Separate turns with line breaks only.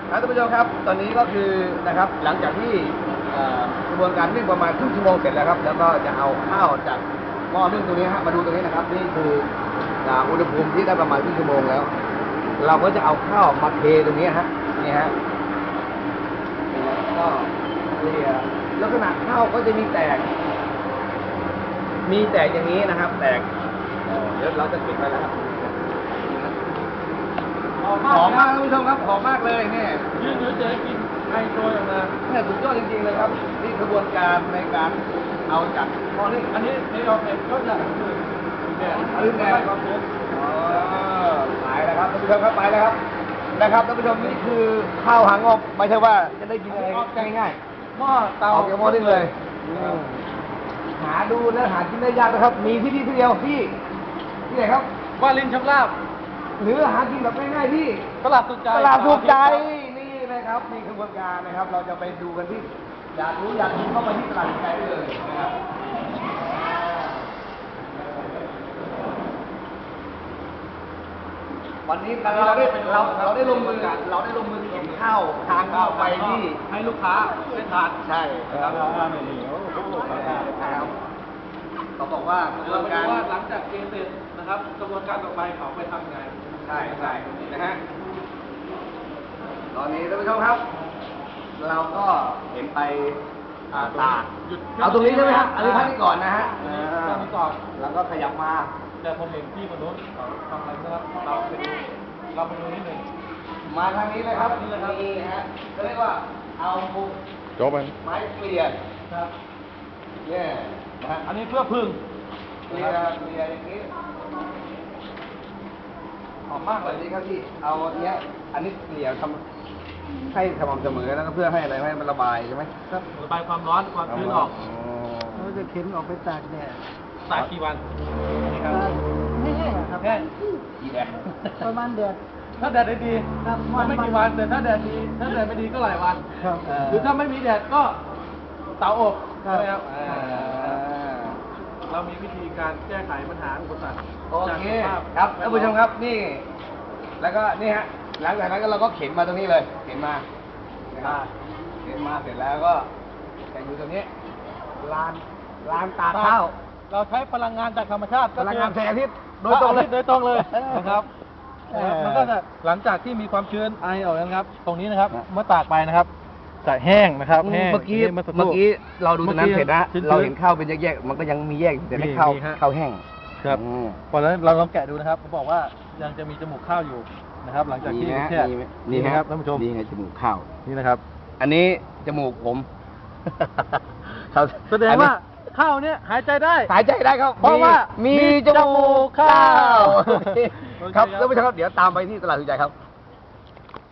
ท่านผู้ชมครับตอนนี้ก็คือนะครับหลังจากที่กระบวนการนึ่งประมาณครึ่งชั่วโมงเสร็จแล้วครับแล้วก็จะเอาข้าวจากหม้อนึ่งตรงนี้ฮะมาดูตรงนี้นะครับนี่คืออุณหภูมิที่ได้ประมาณครึ่งชั่วโมงแล้ว เราก็จะเอาข้าวมาเทตรงนี้ฮะนี่ฮะก็เรียลักษณะข้าวก็จะมีแตกอย่างนี้นะครับแตกเดี๋ยวเราจะปิดไปแล้วครับหอมมากท่านผู้ชมครับหอมมากเลยเนี่ย
ยืนเฉยๆกินไอโชยออกมา
เนี่ยสุดยอดจริงๆเลยครับนี่กระบวนการในการเอาจากหม้อนึ่ง
อันนี้ในเราเป็นก็จะคือเนี่ย
คือแนวความชื้นไปแล้วครับท่านผู้ชมครับไปแล้วครับนะครับท่านผู้ชมนี่คือข้าวหางอบไม่ใช่ว่าจะได้กินอะไรง่าย
ๆหม้อเตา
ออกจากหม้อนึ่งเลยหาดูและหากินได้ยากนะครับมีที่นี่ที่เดียวที่ไหนครับ
วาลินชำราบ
หรือหากินแบบง่ายๆที่
ตลาดสุขใจ
นี่นะครับนี่กระบวนการนะครับเราจะไปดูกันที่อยากรู้อยากกินเข้าไปที่ตลาดสุขใจเลยนะครับวันนี้เราได้ลงมือเข็นข้าวทางเข้าไปที่
ให้ลูกค้าได้ทาน
ใช่ครับเขาบอกว่ากระบวนการ
หลังจากเกณฑ์เสร็จนะครับกระบวนการต่อไปเขาไปทำไง
ใช่นะฮะตอนนี้ท่านผู้ชมครับเราก็เห็นไปตากเอาตรงนี้ใช่ไหมครับอันนี้พักนี้ก่อนนะฮะ
พักนี้ก่อน
แล้วก็ขยับมา
แต่ผมเห็นที่มนุษย์เขาทำอะไรนะครับเราไปดูนิดหนึ่ง
มาทางนี้เลยครับนี่ฮะก็เรียกว่าเอา
จบไป
ไม้เกลี่ย
ครับ
เนี่ยนะ
อันนี้เพื่อพึ่ง
เกลี่ยอย่างนี้หอมมากเลยนี่ครับพี่เอาเนี้ยอันนี้เกลี่ยทำให้สม่ำเสมอแล้วก็เพื่อให้อะไรให้มันระบายใช่ไหม
ครับระบายความร้อนความชื้นออก
เราจะเข็นออกไปตากแดด
ตากกี่วัน
ไม่แห้งครับ
แห้ง
กี่แดด
ประมาณเดือน
ถ้าแดดได้ดีไม่กี่วันแต่ถ้าแดดดีถ้าแดดไม่ดีก็หลายวันหรือถ้าไม่มีแดดก็เตาอบใช่ไหมครับเรามีวิธีการแก้ไขปัญหาอุปสรรค
โอเคครับท่านผู้ชมครับนี่แล้วก็นี่ฮะหลังจากนั้นก็เราก็เข็นมาตรงนี้เลยเข็นมาเข็นมาเสร็จแล้วก็จะอยู่ตรงนี้ลานตากข้าว
เราใช้พลังงานจากธรรมชาติ
พลังงานแสงอาทิตย์
โดยตรงเลยนะครับมันก็จะหลังจากที่มีความชื้นไอออกแล้วครับตรงนี้นะครับเมื่อตากไปนะครับจะแห้งนะครับแห้ง
เมื่อกี้เราดูตรงนั้นเสร็จนะเราเห็นข้าวเป็นแยกๆมันก็ยังมีแยกแต่ไม่ข้าวแห้ง
ครับพอแล้วเราลองแกะดูนะครับเขาบอกว่ายังจะมีจมูกข้าวอยู่นะครับหลังจากที่แช่
นี่นะครับท่านผู้ชมนี่ไงจมูกข้าว
นี่นะครับ
อันนี้จมูกผม
แสดงว่าข้าวเนี่ยหายใจได้
ครับ
เพราะว่า
มีจมูกข้าวครับท่านผู้ชมครับเดี๋ยวตามไปที่ตลาดสุขใจครับ